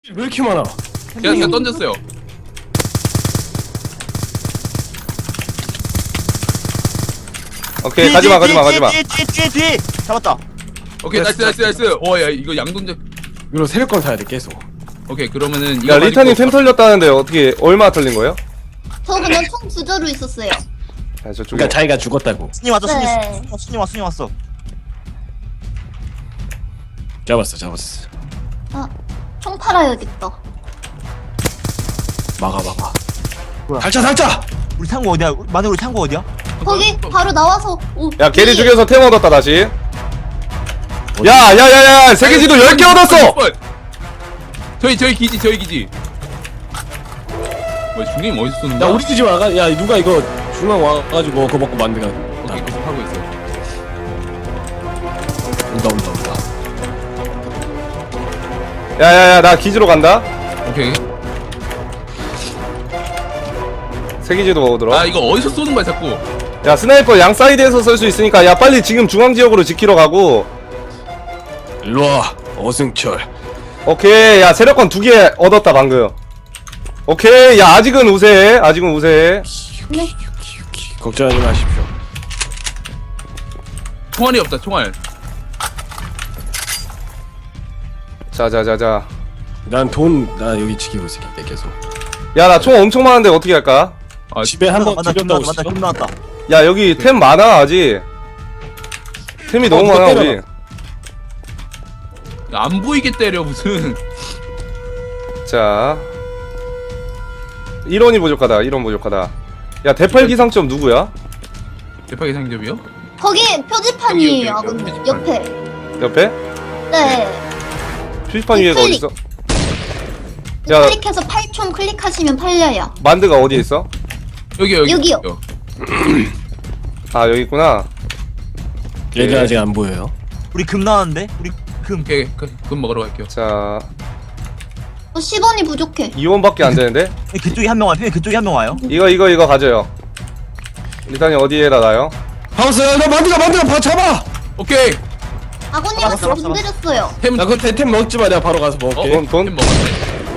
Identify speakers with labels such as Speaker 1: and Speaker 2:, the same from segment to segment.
Speaker 1: 왜 이렇게 많아?
Speaker 2: 그냥 던졌어요.
Speaker 3: 오케이 가지마
Speaker 4: 뒤 잡았다.
Speaker 2: 오케이 나이스. 야 이거 양동작.
Speaker 1: 이거 세력권 사야 돼 계속.
Speaker 2: 오케이 그러면은
Speaker 3: 야
Speaker 2: 이거
Speaker 3: 리타님
Speaker 2: 가지고-
Speaker 3: 템 털렸다는데 어떻게 얼마 털린 거예요?
Speaker 5: 저 그냥 총 부저로 있었어요.
Speaker 3: 아 저쪽에
Speaker 1: 그러니까 자기가 죽었다고.
Speaker 4: 스님 왔어.
Speaker 5: 네.
Speaker 4: 스님 왔어.
Speaker 1: 잡았어.
Speaker 5: 아, 총 팔아야겠다.
Speaker 1: 막아.
Speaker 4: 뭐야?
Speaker 1: 달차.
Speaker 4: 우리 창고 어디야? 마늘 우리 창고 어디야?
Speaker 5: 거기 바로 나와서 오.
Speaker 3: 야 게리
Speaker 5: 이-
Speaker 3: 죽여서 템 얻었다 다시. 야야야야 세계지도 10개 얻었어.
Speaker 2: 저희 기지. 뭐 중님 어디서 쏘는
Speaker 1: 야
Speaker 2: 거야?
Speaker 1: 우리 집에 와가. 야 누가 이거 중앙 와가지고 그거 먹고 만드가.
Speaker 2: 오케이 계속 하고 있어.
Speaker 1: 온다.
Speaker 3: 야야야 나 기지로 간다.
Speaker 2: 오케이.
Speaker 3: 세계지도 얻으러.
Speaker 2: 아 이거 어디서 쏘는 거야 자꾸?
Speaker 3: 야 스나이퍼 양 사이드에서 쓸 수 있으니까 야 빨리 지금 중앙 지역으로 지키러 가고.
Speaker 1: 일로 와. 어승철.
Speaker 3: 오케이 야 세력권 2개 얻었다 방금. 오케이 야 아직은 우세해.
Speaker 5: 네.
Speaker 1: 걱정하지 마십시오.
Speaker 2: 총알이 없다 총알.
Speaker 3: 자자자자.
Speaker 1: 나 여기 지키고 있을게 계속.
Speaker 3: 야 나 총 엄청 많은데 어떻게 할까?
Speaker 2: 아
Speaker 1: 집에 한번
Speaker 4: 맞다.
Speaker 1: 들렸다고
Speaker 4: 맞다.
Speaker 1: 했어?
Speaker 4: 금 나왔다.
Speaker 3: 야 여기 템 많아 아직. 템이 너무
Speaker 1: 누가
Speaker 3: 많아
Speaker 1: 때려라.
Speaker 3: 우리.
Speaker 2: 안 보이게 때려 무슨.
Speaker 3: 자 1원이 부족하다. 1원 부족하다. 야 대팔 기상점 누구야?
Speaker 2: 대파기 상점이요?
Speaker 5: 거기 표지판이에요,
Speaker 2: 여기,
Speaker 5: 아버님.
Speaker 2: 표지판.
Speaker 5: 옆에.
Speaker 3: 옆에?
Speaker 5: 네.
Speaker 3: 표지판 위에가
Speaker 5: 클릭.
Speaker 3: 어딨어? 야
Speaker 5: 클릭해서 팔총 클릭하시면 팔려요.
Speaker 3: 만드가 어디에 있어?
Speaker 5: 여기요.
Speaker 3: 아 여기 있구나.
Speaker 1: 얘들 아직 안 보여요.
Speaker 4: 우리 금 나왔는데? 우리 금.
Speaker 2: 오케이 그럼 먹으러 갈게요.
Speaker 3: 자
Speaker 5: 10원이 부족해.
Speaker 3: 2원밖에 안 되는데?
Speaker 4: 그쪽에 한 명 와요. 그쪽에 한 명 와요.
Speaker 3: 이거 가져요. 일단이 어디에다 놔요?
Speaker 1: 하우스 나 만드가 봐 잡아.
Speaker 2: 오케이.
Speaker 5: 아버님한테
Speaker 4: 잡았어.
Speaker 5: 돈 드렸어요.
Speaker 2: 템
Speaker 1: 나 그거 템 먹지 마. 내가 바로 가서 먹을게.
Speaker 3: 돈?
Speaker 2: 템 먹었네.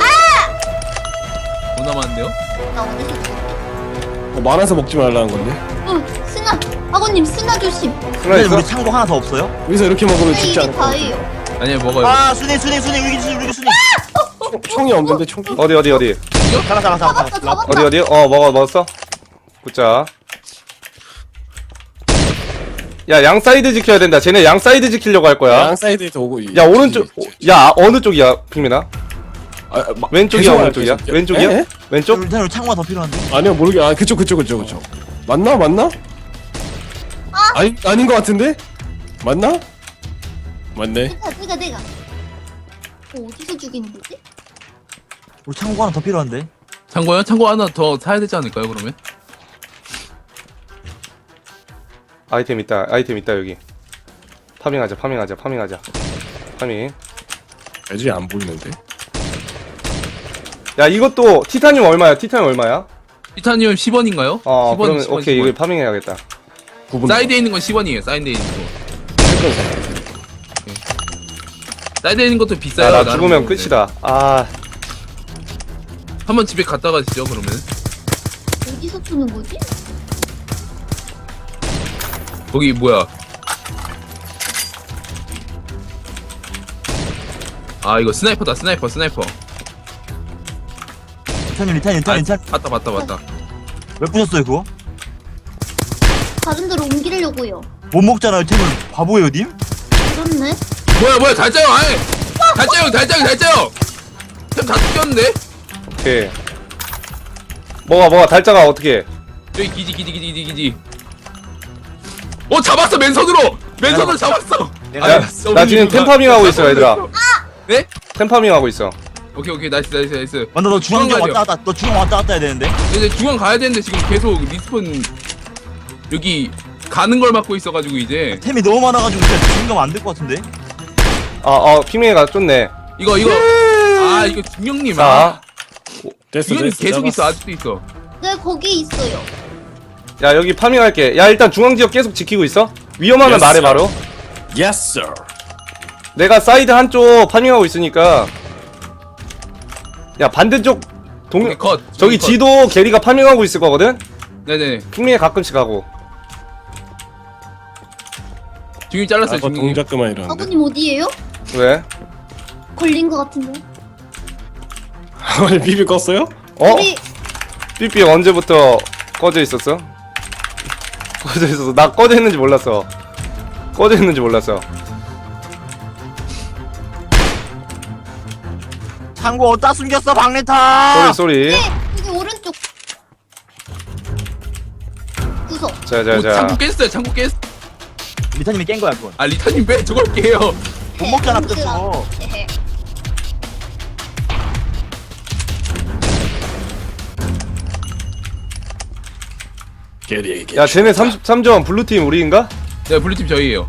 Speaker 2: 돈 남았는데요?
Speaker 5: 나 어디서 줄게?
Speaker 1: 많아서 먹지 말라는 건데.
Speaker 5: 스나. 아버님 스나 조심.
Speaker 3: 하나
Speaker 4: 근데
Speaker 3: 있어?
Speaker 4: 우리 창고 하나 더 없어요?
Speaker 1: 여기서 이렇게 먹으면
Speaker 5: 네,
Speaker 1: 죽지
Speaker 5: 이게
Speaker 1: 않을 거야.
Speaker 5: 다예요.
Speaker 2: 아니야 먹어요.
Speaker 4: 아, 순이 우리 순이.
Speaker 1: 총이 없는데 총기?
Speaker 3: 어디?
Speaker 5: 잡았다, 잡았다.
Speaker 3: 어디? 먹었어? 굿자. 야 양 사이드 지켜야 된다. 쟤네 양 사이드 지키려고 할 거야.
Speaker 1: 양 사이드에서 오고.
Speaker 3: 야 오른쪽. 야 어느 쪽이야 핑민아? 왼쪽이야
Speaker 1: 계속
Speaker 3: 오른쪽이야?
Speaker 1: 계속.
Speaker 3: 왼쪽이야?
Speaker 1: 에?
Speaker 3: 왼쪽?
Speaker 4: 우리 창고가 더 필요한데?
Speaker 1: 아니요 모르게. 아 그쪽. 맞나? 아닌 것 같은데? 맞나? 맞네.
Speaker 5: 내가. 어디서 죽이는 거지?
Speaker 4: 우리 창고 하나 더 필요한데?
Speaker 2: 창고요? 창고 하나 더 사야 되지 않을까요 그러면?
Speaker 3: 아이템 있다 여기. 파밍하자. 파밍.
Speaker 1: 애들이 안 보이는데.
Speaker 3: 야 이것도 티타늄 얼마야?
Speaker 2: 티타늄 10원인가요?
Speaker 3: 그러면 오케이 이거 파밍해야겠다.
Speaker 1: 9분.
Speaker 2: 사이드에 있는 건 10원이에요. 사이드에 있는 거. 사이드에 있는 것도 비싸요.
Speaker 3: 야 나
Speaker 2: 나름
Speaker 3: 죽으면
Speaker 2: 먹는데.
Speaker 3: 끝이다. 아
Speaker 2: 한번 집에 갔다 가시죠 그러면.
Speaker 5: 어디서 주는 거지?
Speaker 2: 거기 뭐야? 아 이거 스나이퍼다 스나이퍼.
Speaker 4: 리타님.
Speaker 2: 맞다.
Speaker 4: 왜 부셨어요 그거?
Speaker 5: 다른 데로 옮기려고요.
Speaker 4: 못 먹잖아요 템을. 바보예요 님?
Speaker 5: 그렇네.
Speaker 2: 뭐야 달짜요 아예. 달짜요. 템다 뜯겼는데?
Speaker 3: 오케이. 뭐가 달자가 어떻게?
Speaker 2: 저기 기지. 잡았어 맨손으로 잡았어.
Speaker 4: 내가
Speaker 3: 야, 나 지금 템파밍하고 있어 얘들아.
Speaker 2: 네?
Speaker 3: 템파밍하고 있어.
Speaker 2: 오케이 나이스.
Speaker 4: 맞다 너 중앙
Speaker 2: 중앙 가죠.
Speaker 4: 왔다 갔다 해야 되는데?
Speaker 2: 이제 중앙 가야 되는데 지금 계속 리스폰 여기 가는 걸 막고 있어가지고 이제
Speaker 4: 템이 너무 많아가지고 진짜 지금 가면 안 될 것 같은데?
Speaker 3: 핑맹이가 쫓네.
Speaker 2: 이거 이거 중령님
Speaker 3: 자,
Speaker 1: 됐어.
Speaker 2: 중령님 계속
Speaker 1: 잡았어.
Speaker 2: 있어 아직도 있어.
Speaker 5: 네, 거기 있어요.
Speaker 3: 야 여기 파밍할게. 야 일단 중앙 지역 계속 지키고 있어. 위험하면
Speaker 1: Yes,
Speaker 3: 말해
Speaker 1: sir.
Speaker 3: 바로.
Speaker 1: Yes sir.
Speaker 3: 내가 사이드 한쪽 파밍하고 있으니까. 야 반대쪽
Speaker 2: 오케이, 컷.
Speaker 3: 저기
Speaker 2: 컷.
Speaker 3: 지도 게리가 파밍하고 있을 거거든?
Speaker 2: 네네.
Speaker 3: 핑맨이 가끔씩 하고.
Speaker 2: 중이 잘랐어요.
Speaker 1: 아까
Speaker 2: 중이.
Speaker 1: 동작 그만 이러는데.
Speaker 5: 아버님 어디에요?
Speaker 3: 왜?
Speaker 5: 걸린 것 같은데.
Speaker 1: 아니 비비 껐어요?
Speaker 3: 어?
Speaker 5: 우리
Speaker 3: 삐삐 언제부터 꺼져 있었어? 꺼져 있었어. 나 꺼져 있는지 몰랐어. 꺼져 있는지 몰랐어.
Speaker 4: 창고 어디다 숨겼어 박레타.
Speaker 3: 쏘리.
Speaker 5: 여기 오른쪽 구석.
Speaker 2: 오,
Speaker 3: 자자자.
Speaker 2: 창고 깼어요. 창고 깼.
Speaker 4: 리타님이 깬 거야 그건.
Speaker 2: 아 리타님 왜 저걸 깨요?
Speaker 4: 못 먹잖아 뺐어.
Speaker 5: 에헤.
Speaker 1: 게리.
Speaker 3: 야 쟤네 33점 블루팀 우리인가?
Speaker 2: 네 블루팀 저희예요.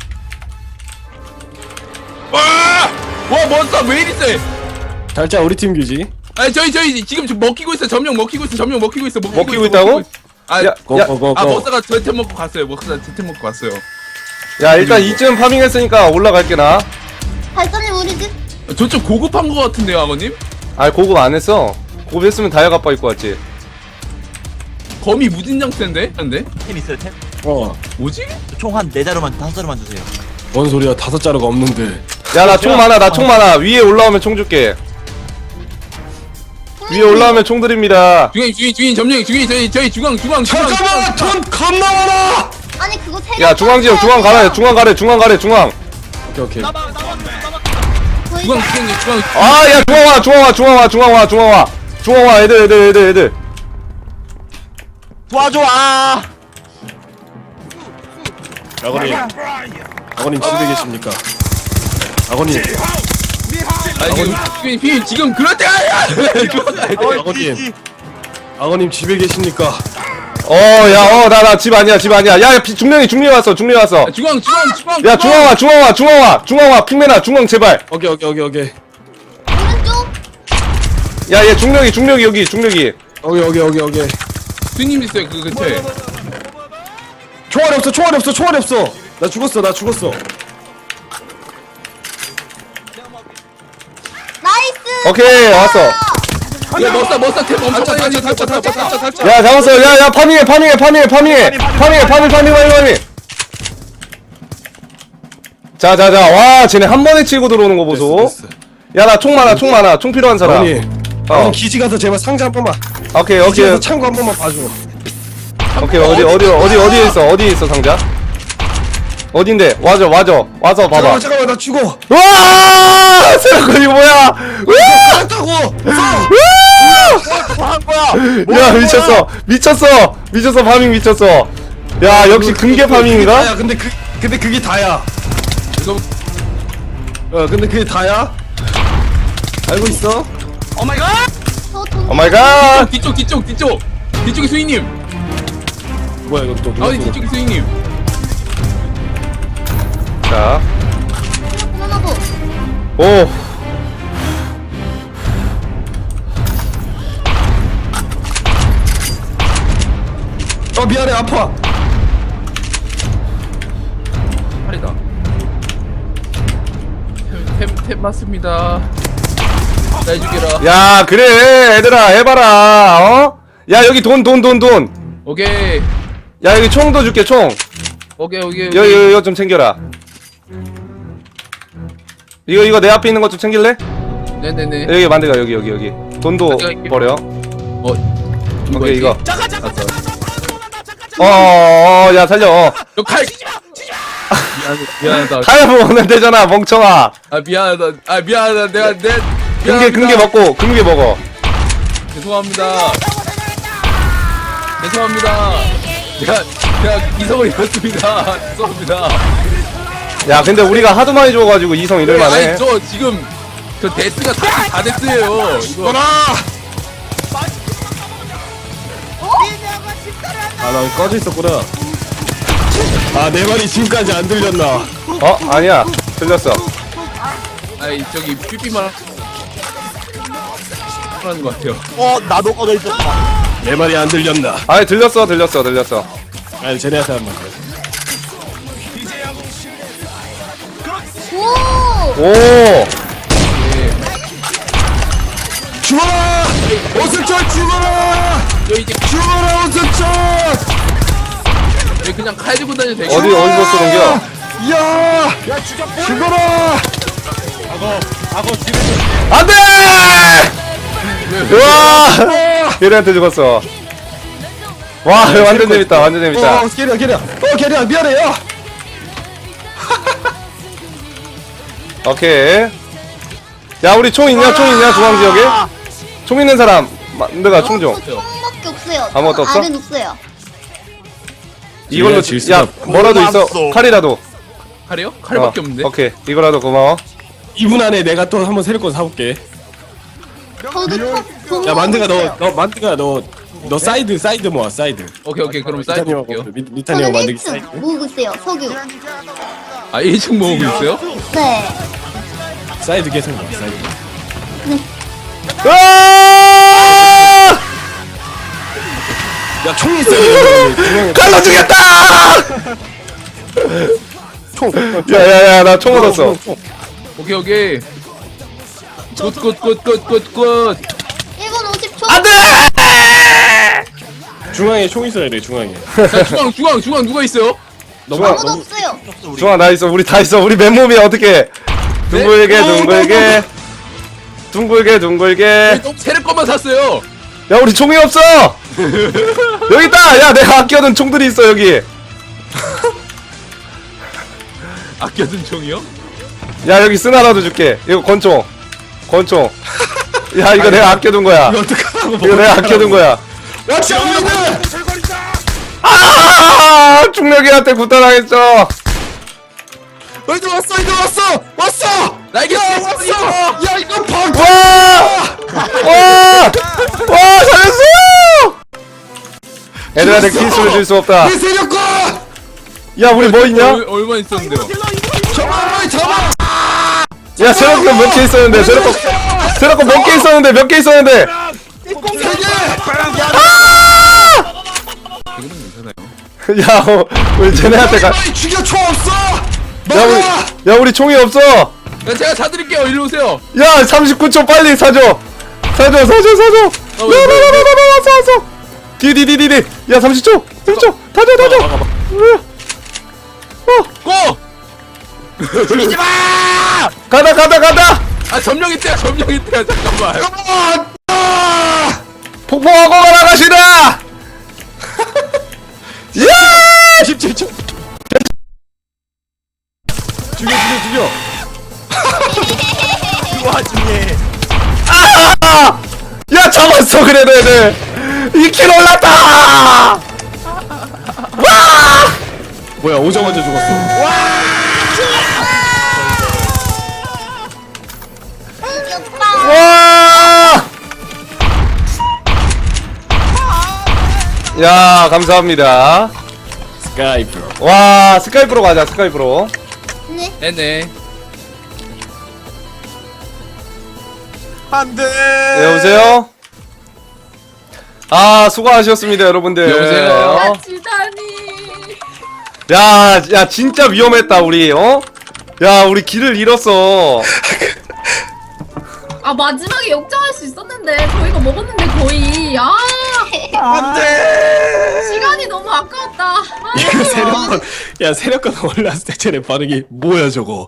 Speaker 2: 와! 와 몬스터 왜 이리 세?
Speaker 1: 살짝 우리 팀 규지.
Speaker 2: 아니 저희 지금 먹히고 있어. 점령 먹히고 있어. 점령 먹히고 있어.
Speaker 3: 먹히고 있다고?
Speaker 2: 아,
Speaker 3: 야,
Speaker 1: 고고고고.
Speaker 2: 아 머스가 저템 먹고 갔어요. 머스가 저템 먹고 갔어요.
Speaker 3: 야 일단 2점 파밍했으니까 올라갈게 나.
Speaker 5: 발사님 우리 집.
Speaker 2: 저쪽 고급한 거 같은데요, 아버님?
Speaker 3: 아 고급 안 했어. 고급 했으면 다이아 아빠 입고 왔지.
Speaker 2: 거미 무진장 센데? 근데
Speaker 4: 템 있어요 템?
Speaker 2: 뭐지?
Speaker 4: 총 한 4자루만 5자루만 주세요.
Speaker 1: 뭔 소리야? 5자루가 없는데.
Speaker 3: 야 나 총 많아. 나 총 많아. 위에 올라오면 총 줄게. 위에 올라오면 총 드립니다.
Speaker 2: 주인 점령 저희 중앙
Speaker 1: 잠깐만 돈 겁나 많아.
Speaker 5: 아니 그거 세.
Speaker 3: 야 중앙 지역 중앙 가래. 중앙 가래. 중앙 가래. 중앙.
Speaker 1: 오케이 오케이.
Speaker 2: 중앙
Speaker 3: 아 야 중앙 와. 중앙 와. 중앙 와. 중앙 와. 중앙 와. 중앙 와. 애들.
Speaker 4: 도와줘 아.
Speaker 1: 아버님 집에 계십니까? 아버님.
Speaker 2: 아니 지금 그럴 때가 아니야.
Speaker 1: 아버님 집에 계십니까?
Speaker 3: 나 집 아니야. 집 아니야. 야 중령이 왔어.
Speaker 2: 중앙
Speaker 3: 야 중앙 와. 핑맨아 중앙 제발.
Speaker 1: 오케이.
Speaker 5: 오른쪽.
Speaker 3: 야 얘 중력이 여기 중력이.
Speaker 1: 오케이.
Speaker 2: 주인님 있어요 그 근처에.
Speaker 1: 총알이 없어. 나 죽었어.
Speaker 5: 나이스.
Speaker 3: 오케이 왔어.
Speaker 2: 야 머싸 템 엄청 탈차.
Speaker 3: 야 잡았어. 야 파밍해. 파밍. 자자자. 와 쟤네 한 번에 치고 들어오는 거 보소.
Speaker 1: 됐어.
Speaker 3: 야 나 총 많아. 총 필요한 사람.
Speaker 1: 아버님. 아버님 기지 가서 제발 상자 한 번만.
Speaker 3: 오케이.
Speaker 1: 기지 가서 창고 한 번만 봐줘.
Speaker 3: 오케이 어디에 있어 상자? 어딘데? 와줘 와서 봐봐.
Speaker 1: 잠깐만 나 죽어.
Speaker 3: 와! 세라코 이거 뭐야?
Speaker 1: 알았다고.
Speaker 4: 뭐한 거야?
Speaker 3: 야 미쳤어 파밍 미쳤어. 야 역시 금괴 파밍인가?
Speaker 1: 야 근데 그게 다야.
Speaker 2: 이거
Speaker 1: 근데 그게 다야? 알고 있어?
Speaker 5: 저 돈.
Speaker 3: 오 마이 갓.
Speaker 2: 뒤쪽에 수인님.
Speaker 1: 뭐야 이거 또 누가
Speaker 2: 아니
Speaker 1: 또-
Speaker 2: 뒤쪽에 수인님.
Speaker 3: 자.
Speaker 5: 하나도.
Speaker 3: 오.
Speaker 1: 미안해 아파.
Speaker 2: 팔이다. 템 맞습니다. 날 죽여라.
Speaker 3: 야 그래 얘들아 해봐라. 어? 야 여기 돈.
Speaker 2: 오케이.
Speaker 3: 야 여기 총도 줄게 총.
Speaker 2: 오케이.
Speaker 3: 이거 좀 챙겨라. 이거 내 앞에 있는 것 좀 챙길래?
Speaker 2: 네네네.
Speaker 3: 여기 만들가 여기. 돈도
Speaker 2: 가져갈게.
Speaker 3: 버려. 오케이 이거. 야 살려.
Speaker 2: 너 칼. 미안하다.
Speaker 3: 타야 먹으면 되잖아 멍청아.
Speaker 2: 미안하다. 내가
Speaker 3: 금괴 먹고 금괴 먹어.
Speaker 2: 죄송합니다. 내가 이성을 잃었습니다. 죄송합니다.
Speaker 3: 야 근데 우리가 하도 많이 줘가지고 이성 이럴만해.
Speaker 2: 아니 저 지금 저 데스가 다 데스예요. 이거
Speaker 1: 아나 꺼져 있었구나. 내 말이 지금까지 안 들렸나?
Speaker 3: 아니야 들렸어.
Speaker 2: 아니 저기 삐삐만 하는 것 같아요.
Speaker 4: 나도 꺼져 있었어.
Speaker 1: 내 말이 안 들렸나?
Speaker 3: 아니 들렸어.
Speaker 1: 아니 쟤네한테 한 번.
Speaker 5: 오.
Speaker 3: 오.
Speaker 1: 죽어라! 오승철 죽어라!
Speaker 2: 저 이제
Speaker 1: 죽어라 오승철!
Speaker 2: 그냥 칼 들고 다녀도 되겠다.
Speaker 3: 어디서 쏘는겨?
Speaker 1: 야! 죽어라!
Speaker 3: 안돼! 우와! 게리한테 죽었어. 와 완전 재밌다. 완전 재밌다.
Speaker 1: 게리야 미안해 야!
Speaker 3: 오케이. 야 우리 총 있냐? 총 있냐? 중앙 지역에? 총 있는 사람. 내가 총 좀.
Speaker 5: 총밖에 없어요.
Speaker 3: 아무것도 없어?
Speaker 5: 알은 없어요.
Speaker 3: 이걸로 야 뭐라도 있어. 칼이라도.
Speaker 2: 칼이요? 칼밖에 없는데.
Speaker 3: 오케이 이거라도 고마워.
Speaker 1: 2분 안에 내가 또 한번 세력권 사올게.
Speaker 5: 저도 총.
Speaker 1: 야 만드가 너 사이드 모아 사이드.
Speaker 2: 오케이 그럼 사이드 볼게요.
Speaker 1: 미탄이 형
Speaker 5: 저는
Speaker 1: 만들기
Speaker 5: 1층
Speaker 1: 사이드.
Speaker 5: 모으고 있어요. 석유.
Speaker 2: 아 1층 모으고 있어요?
Speaker 5: 네.
Speaker 1: 사이드 계속 모아 사이드.
Speaker 3: 아!
Speaker 1: 야 총이 있어요.
Speaker 3: 칼로 죽였다! 야야야 나 총 얻었어.
Speaker 2: 오케이. 굿.
Speaker 5: 1분 50초.
Speaker 3: 안돼!
Speaker 1: 중앙에 총 있어야 돼 중앙에.
Speaker 2: 자 중앙 누가 있어요?
Speaker 5: 아무도 없어요.
Speaker 3: 중아 나 있어. 우리 다 있어. 우리 맨몸이야 어떻게? 둥글게.
Speaker 2: 너무 세력 것만 샀어요.
Speaker 3: 야 우리 총이 없어. 여기 있다. 야 내가 아껴둔 총들이 있어 여기.
Speaker 2: 아껴둔 총이요?
Speaker 3: 야 여기 쓰나라도 줄게. 이거 권총. 야 이거 내가 아껴둔 거야.
Speaker 1: 이거 어떡하라고?
Speaker 3: 이거 내가 아껴둔 거야.
Speaker 1: 왁시 없는.
Speaker 3: 아 중력이한테 구타당했어.
Speaker 1: 이제 왔어.
Speaker 2: 날개 왔어.
Speaker 1: 야 이거 방.
Speaker 3: 와 살렸어. 애들한테 키스를 줄 수 없다.
Speaker 1: 내 세력권.
Speaker 3: 야 우리 뭐 있냐?
Speaker 2: 얼마 있었는데요?
Speaker 1: 잡아.
Speaker 3: 야 세력권 몇 개 있었는데 세력권 몇 개 있었는데 몇 개 있었는데. 야 우리 쟤네한테 가.
Speaker 1: 빨리 죽여 총 없어.
Speaker 3: 야 우리 총이 없어.
Speaker 2: 야, 제가 사드릴게요. 일로 오세요.
Speaker 3: 야 39초 빨리 사줘.
Speaker 2: 왜?
Speaker 3: 사줘. 디디디디디. 야 30초. 다줘.
Speaker 2: 고!
Speaker 1: 죽이지 마.
Speaker 3: 가다.
Speaker 2: 아 점령 있대요. 잠깐만.
Speaker 3: 폭포하고 나가시라. 야!
Speaker 1: 17초. 죽여.
Speaker 4: 이 와중에
Speaker 3: 야 잡았어 그래도 애들 2킬 올랐다.
Speaker 1: 뭐야 오자마자 죽었어.
Speaker 5: 이겼다.
Speaker 3: 와! 야 감사합니다.
Speaker 1: 스카이프.
Speaker 3: 와 스카이프로 가자. 스카이프로.
Speaker 5: 네.
Speaker 2: 네네.
Speaker 4: 안돼.
Speaker 3: 네, 여보세요. 아 수고하셨습니다 여러분들.
Speaker 2: 여보세요?
Speaker 6: 지다니.
Speaker 3: 야 진짜 위험했다 우리. 야 우리 길을 잃었어.
Speaker 6: 아 마지막에 역전할 수 있었는데 저희가 먹었는데 거의
Speaker 4: 안돼.
Speaker 6: 시간이 너무 아까웠다.
Speaker 1: 야 세력권 올랐을 때 쟤네 반응이 뭐야 저거.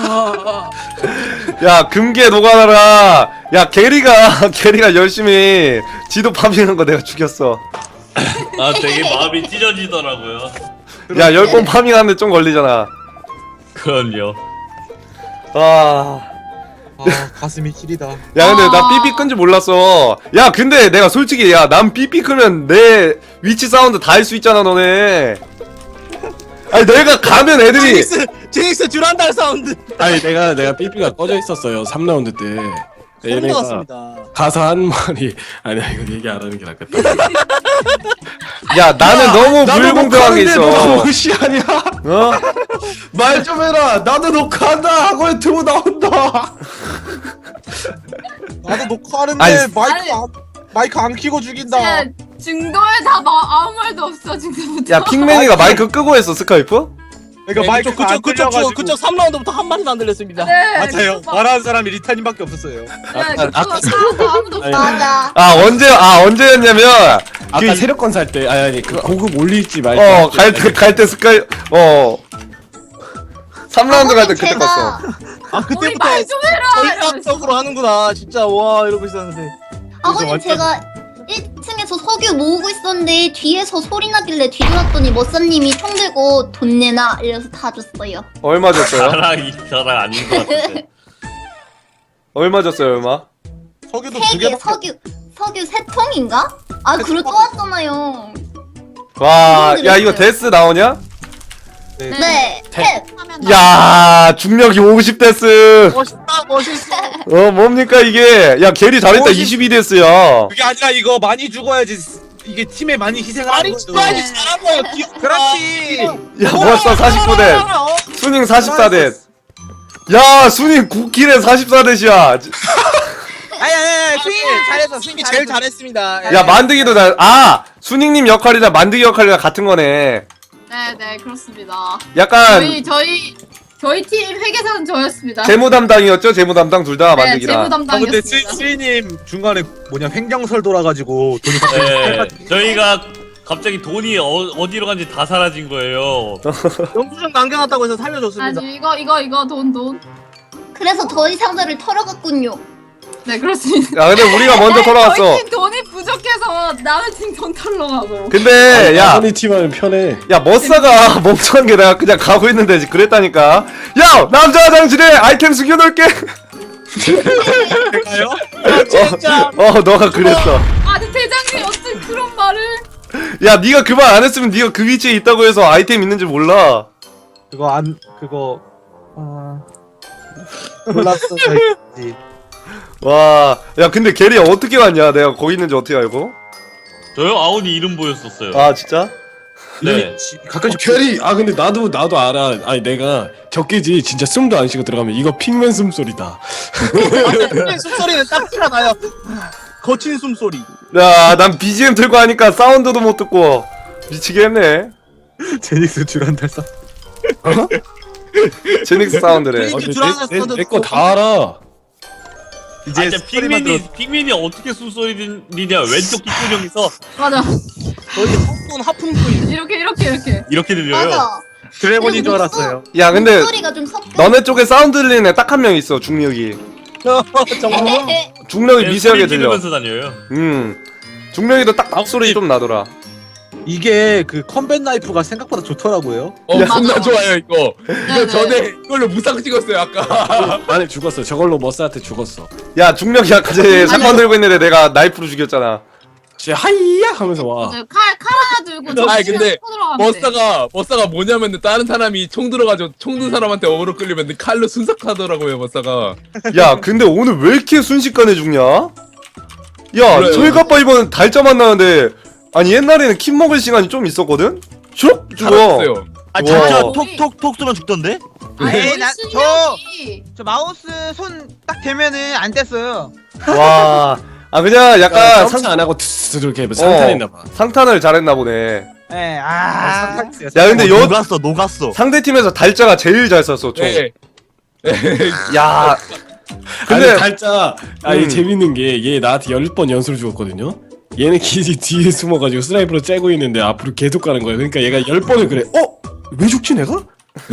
Speaker 3: 야 금괴 노가다라. 야 게리가 열심히 지도 파밍한 거 내가 죽였어.
Speaker 7: 아 되게 마음이 찢어지더라고요.
Speaker 3: 야 10번 파밍하는데 좀 걸리잖아.
Speaker 7: 그럼요.
Speaker 3: 아.
Speaker 4: 가슴이 시리다.
Speaker 3: 야 근데 나 삐삐 끈지 몰랐어. 야 근데 내가 솔직히 난 삐삐 끄면 내 위치 사운드 다 할 수 있잖아 너네. 아니 내가 가면 애들이
Speaker 4: 제닉스 듀란달 사운드.
Speaker 1: 아니 내가 삐삐가 꺼져 있었어요 3라운드 때.
Speaker 4: 소름
Speaker 1: 얘네가
Speaker 4: 돋았습니다.
Speaker 1: 가서 한 말이 아니야 이거 얘기 안 하는 게 낫겠다.
Speaker 3: 야 나는 너무 불공평하게
Speaker 1: 너
Speaker 3: 있어.
Speaker 1: 무시하냐?
Speaker 3: 어?
Speaker 1: 말 좀 해라. 나도 녹화한다 하고 유튜브 나온다.
Speaker 4: 나도 녹화하는데
Speaker 3: 아니,
Speaker 4: 마이크 안 켜고 죽인다.
Speaker 6: 진짜 중도에 다 아무 말도 없어 지금부터.
Speaker 3: 야 핑맨이가 마이크 끄고 했어 스카이프?
Speaker 4: 그러니까 마이크
Speaker 8: 그쪽 3라운드부터 한 마디도 안 들렸습니다.
Speaker 6: 네.
Speaker 4: 맞아요. 말하는 사람이 리타님밖에 없었어요.
Speaker 6: 아무도 없어.
Speaker 5: 맞아.
Speaker 3: 언제였냐면
Speaker 1: 아까 세력권 살 때 아니 그 고급 올릴지 말지
Speaker 3: 갈 때 스카이 3라운드 갈 때 그때
Speaker 5: 제가
Speaker 3: 껐어.
Speaker 8: 아
Speaker 6: 우리 말좀 해라.
Speaker 8: 전략적으로 하는구나. 진짜 와 이러고 있었는데.
Speaker 5: 아버님 제가 1층에서 석유 모으고 있었는데 뒤에서 소리 나길래 뒤돌았더니 머싸님이 총 들고 돈 내놔 이래서 다 줬어요.
Speaker 3: 얼마 줬어요?
Speaker 7: 자랑 아닌 것 같은데.
Speaker 3: 얼마 줬어요 얼마?
Speaker 4: 석유도
Speaker 5: 3개 석유 3통인가? 아 그리고 또 왔잖아요.
Speaker 3: 와, 야 이거 데스 나오냐?
Speaker 5: 네.
Speaker 3: 야 중력이 50데스.
Speaker 8: 멋있어.
Speaker 3: 뭡니까 이게? 야 게리 잘했다 22데스야.
Speaker 4: 그게 아니라 이거 많이 죽어야지 이게 팀에 많이 희생을 하는 거죠.
Speaker 8: 많이 잘한 거야.
Speaker 4: 그렇지.
Speaker 3: 야 멋있어 49대. 수닝 44대. 야 수닝 9킬에 44대시야.
Speaker 8: 아니 스윙이 잘했어. 스윙이 제일 잘했습니다.
Speaker 3: 야 만드기도 잘. 아 수닝님 역할이랑 만드기 역할이랑 같은 거네.
Speaker 6: 네네 그렇습니다.
Speaker 3: 약간
Speaker 6: 저희 팀 회계사는 저였습니다.
Speaker 3: 재무 담당이었죠? 재무 담당 둘 다
Speaker 6: 네,
Speaker 3: 만드기랑.
Speaker 6: 재무
Speaker 4: 근데
Speaker 6: 담당이었습니다.
Speaker 4: 스리님 중간에 뭐냐 횡령설 돌아가지고 돈이
Speaker 7: 네, 저희가 갑자기 돈이 어디로 간지 다 사라진 거예요.
Speaker 8: 영수증 남겨놨다고 해서 살려줬습니다.
Speaker 6: 아니 이거 돈.
Speaker 5: 그래서 저희 상자를 털어갔군요.
Speaker 6: 네 그렇습니다.
Speaker 3: 야 근데 우리가 먼저 돌아왔어.
Speaker 6: 저희 팀 돈이 부족해서 남의 팀 돈 털러 가고.
Speaker 3: 근데 야.
Speaker 1: 아버님 팀하면 편해
Speaker 3: 야 머싸가 멍청한 게 내가 그냥 가고 있는데 그랬다니까. 야 남자 화장실에 아이템 숨겨놓을게.
Speaker 4: 가요?
Speaker 8: 진짜.
Speaker 3: 너가 그랬어.
Speaker 6: 아니 대장님 어떻게 그런 말을?
Speaker 3: 야 네가 그 말 안 했으면 네가 그 위치에 있다고 해서 아이템 있는지 몰라.
Speaker 4: 그거 몰랐어. 저희.
Speaker 3: 와, 야 근데 게리 어떻게 왔냐? 내가 거기 있는지 어떻게 알고?
Speaker 7: 저요? 아온이 이름 보였었어요.
Speaker 3: 아 진짜?
Speaker 7: 네.
Speaker 4: 가끔씩
Speaker 1: 캐리 근데 나도 알아. 아니 내가 적게지 진짜 숨도 안 쉬고 들어가면 이거 핑맨 숨소리다.
Speaker 8: 숨소리는 딱 티가 나요. 거친 숨소리.
Speaker 3: 야, 난 BGM 틀고 하니까 사운드도 못 듣고 미치겠네.
Speaker 4: 제닉스 듀란달사.
Speaker 3: 제닉스 사운드래.
Speaker 1: 내거 다 알아.
Speaker 4: 이제
Speaker 7: 이제 핑민이 어떻게 숨소리냐? 왼쪽 귓구녕에서
Speaker 6: 맞아.
Speaker 8: 거의 하품 소리.
Speaker 6: 이렇게.
Speaker 7: 들려요.
Speaker 5: 맞아.
Speaker 4: 드래곤인 줄 알았어요.
Speaker 3: 야, 근데
Speaker 5: 목소리가 좀 섞여.
Speaker 3: 너네 쪽에 사운드 들리는 애 딱 한 명 있어. 중력이.
Speaker 8: 정말.
Speaker 3: 중력이 미세하게 들려.
Speaker 7: 들으면서 다녀요.
Speaker 3: 중력이도 딱 목소리 좀 나더라.
Speaker 4: 이게 그 컴뱃 나이프가 생각보다 좋더라고요.
Speaker 2: 겁나 좋아요 이거.
Speaker 6: 네네.
Speaker 2: 전에 이걸로 무쌍 찍었어요 아까.
Speaker 1: 아니 죽었어. 저걸로 머싸한테 죽었어.
Speaker 3: 야, 중력이 아까 전에 샷건 들고 있는데 내가 나이프로 죽였잖아.
Speaker 1: 진짜 하이야 하면서 와.
Speaker 6: 칼 하나 들고.
Speaker 2: 아니, 근데
Speaker 6: 쳐들어가면 돼.
Speaker 2: 머싸가 뭐냐면 다른 사람이 총 들어가지고 총 든 사람한테 어그로 끌리면 칼로 순삭하더라고요 머싸가.
Speaker 3: 야, 근데 오늘 왜 이렇게 순식간에 죽냐? 야,
Speaker 2: 그래요.
Speaker 3: 저희 가빠 이번 달짜 만나는데 아니 옛날에는 킴 먹을 시간이 좀 있었거든? 슉 죽어.
Speaker 2: 살았어요.
Speaker 3: 아, 진짜
Speaker 9: 톡톡 쏘면 죽던데?
Speaker 6: 아니
Speaker 8: 저 마우스 손 딱 대면은 안 뗐어요.
Speaker 3: 와. 아 그냥 약간
Speaker 1: 상안 하고 투스 이렇게 상탄했나 봐.
Speaker 3: 상탄을 잘했나 보네.
Speaker 8: 네.
Speaker 3: 야 근데
Speaker 9: 녹았어.
Speaker 3: 상대 팀에서 달짜가 제일 잘 썼어. 총.
Speaker 2: 네.
Speaker 3: 야.
Speaker 1: 근데
Speaker 3: 근데
Speaker 1: 달짜 이 재밌는 게 얘 나한테 10번 연수를 죽었거든요. 얘는 기지 뒤에 숨어가지고 스나이퍼로 째고 있는데 앞으로 계속 가는 거야. 그러니까 얘가 10번을 그래. 왜 죽지 내가?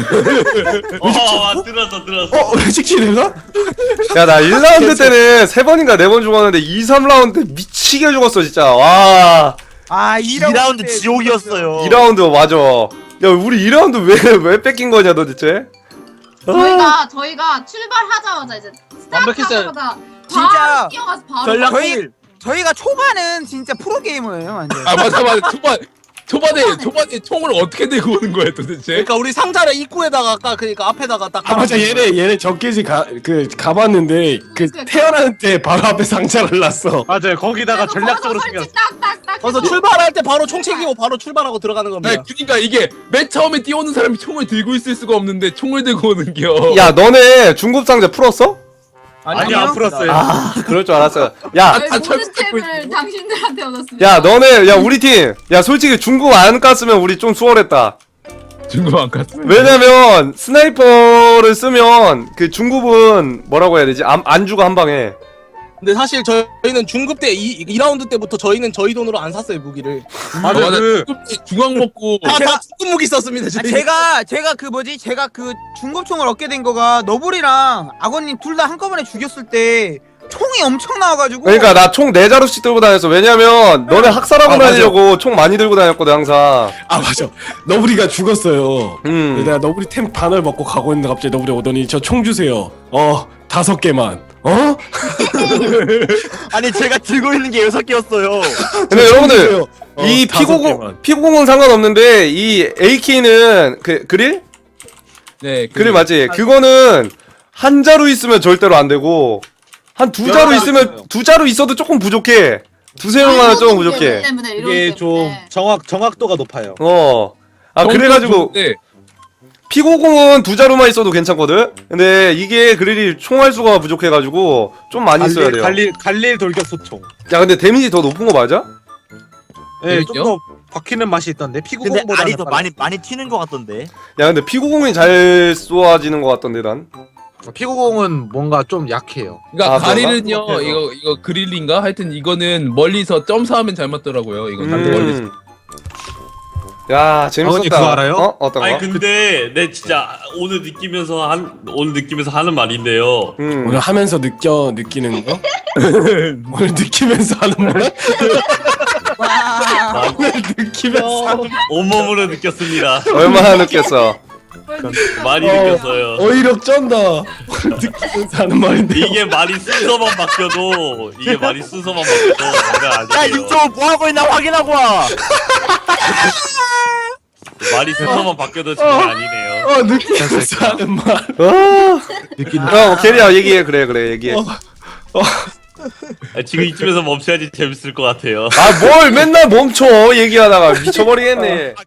Speaker 7: 들었어.
Speaker 1: 왜 죽지 내가?
Speaker 3: 야 나 1라운드 때는 3번인가 4번 죽었는데 2, 3라운드 때 미치게 죽었어 진짜. 와.
Speaker 9: 2라운드 지옥이었어요.
Speaker 3: 2라운드 맞아. 야 우리 2라운드 왜 뺏긴 거냐 도대체?
Speaker 6: 저희가 출발하자마자 이제
Speaker 8: 완벽했어요.
Speaker 6: 스타트하자마자
Speaker 8: 진짜
Speaker 6: 바로 뛰어가서 바로
Speaker 8: 전략 저희가 초반은 진짜 프로 게이머예요, 완전.
Speaker 2: 아 맞아. 초반에 총을 어떻게 들고 오는 거야 도대체?
Speaker 8: 그러니까 우리 상자를 입구에다가 아까 그러니까 앞에다가 딱.
Speaker 1: 맞아 얘네 적게지 가봤는데 태어나는 때 바로 앞에 상자를 놨어.
Speaker 4: 맞아요. 거기다가 전략적으로
Speaker 6: 설치
Speaker 4: 생겼어.
Speaker 6: 딱딱딱.
Speaker 8: 그래서 출발할 때 바로 총 챙기고 바로 출발하고 들어가는 겁니다.
Speaker 2: 아니, 그러니까 이게 맨 처음에 뛰어오는 사람이 총을 들고 있을 수가 없는데 총을 들고 오는겨.
Speaker 3: 야 너네 중급 상자 풀었어?
Speaker 4: 아니 안 풀었어요.
Speaker 3: 아 그럴 줄 알았어요. 야.
Speaker 6: 모든 템을 당신들한테 얻었습니다.
Speaker 3: 야 너네 야 우리 팀 야 솔직히 중국 안 깠으면 우리 좀 수월했다.
Speaker 2: 중급 안 갔어.
Speaker 3: 왜냐면 스나이퍼를 쓰면 그 중급은 뭐라고 해야 되지? 안 죽어 한 방에.
Speaker 10: 근데 사실 저희는 중급 때 2라운드 때부터 저희는 저희 돈으로 안 샀어요 무기를.
Speaker 4: 맞아 그
Speaker 2: 중앙 먹고
Speaker 10: 다 중급 무기 썼습니다. 저희.
Speaker 8: 제가 그 뭐지? 제가 그 중급총을 얻게 된 거가 너블이랑 악어님 둘 다 한꺼번에 죽였을 때 총이 엄청 나와가지고.
Speaker 3: 그러니까 나 총 4자루씩 들고 다녔어. 왜냐면 너네 학살하고
Speaker 1: 맞아.
Speaker 3: 다니려고 총 많이 들고 다녔거든 항상.
Speaker 1: 아 맞아. 너브리가 죽었어요. 내가
Speaker 3: 음.
Speaker 1: 너브리 템 반을 먹고 가고 있는데 갑자기 너브리 오더니 저 총 주세요. 5개만.
Speaker 9: 아니 제가 들고 있는 게 6개였어요.
Speaker 3: 근데 여러분들 이
Speaker 1: 5개만.
Speaker 3: P90은 상관없는데 이 AK는 그 그릴?
Speaker 2: 네,
Speaker 3: 그릴 맞지? 그거는 한 자루 있으면 절대로 안 되고 한 2자루 있으면 2자루 있어도 조금 부족해. 2-3명만 조금 부족해.
Speaker 4: 이게 좀 정확도가 높아요.
Speaker 3: 그래가지고 P90은 2자루만 있어도 괜찮거든? 근데 이게 그릴이 총알 수가 부족해가지고 좀 많이 써야 돼요.
Speaker 4: 갈릴 돌격 소총.
Speaker 3: 야 근데 데미지 더 높은 거 맞아?
Speaker 4: 네,
Speaker 2: 재밌죠?
Speaker 4: 좀 더 박히는 맛이 있던데
Speaker 9: 근데
Speaker 4: P90보다는
Speaker 9: 알이 더 많이 튀는 것 같던데.
Speaker 3: 야 근데 P90이 잘 쏘아지는 것 같던데 난.
Speaker 4: P90은 뭔가 좀 약해요.
Speaker 2: 그러니까
Speaker 3: 아,
Speaker 2: 가릴은요
Speaker 3: 그런가?
Speaker 2: 이거 그릴인가 하여튼 이거는 멀리서 점사하면 잘 맞더라고요. 이거 멀리서.
Speaker 3: 야 재밌었다.
Speaker 4: 아버님 그거 알아요?
Speaker 3: 어떤 거?
Speaker 7: 아니 근데 내 진짜 오늘 느끼면서 하는 말인데요.
Speaker 1: 오늘 하면서 느끼는 거? 오늘 느끼면서 하는 말? 오늘 느끼면서 하는
Speaker 7: 온몸으로 느꼈습니다.
Speaker 3: 얼마나 느꼈어?
Speaker 7: 많이 느꼈어요.
Speaker 1: 어이력 쩐다. 오늘 느끼면서 하는 말인데
Speaker 7: 이게 말이 순서만 바뀌어도 장난
Speaker 9: 야
Speaker 7: 아니에요.
Speaker 9: 유튜브 뭐 하고 있나 확인하고 와.
Speaker 7: 말이 순서만 바뀌어도 장난 아니네요.
Speaker 1: 느끼면서 하는 말.
Speaker 3: 게리야 얘기해. 그래 얘기해.
Speaker 7: 지금 이쯤에서 멈춰야지 재밌을 것 같아요.
Speaker 3: 뭘 맨날 멈춰 얘기하다가 미쳐버리겠네.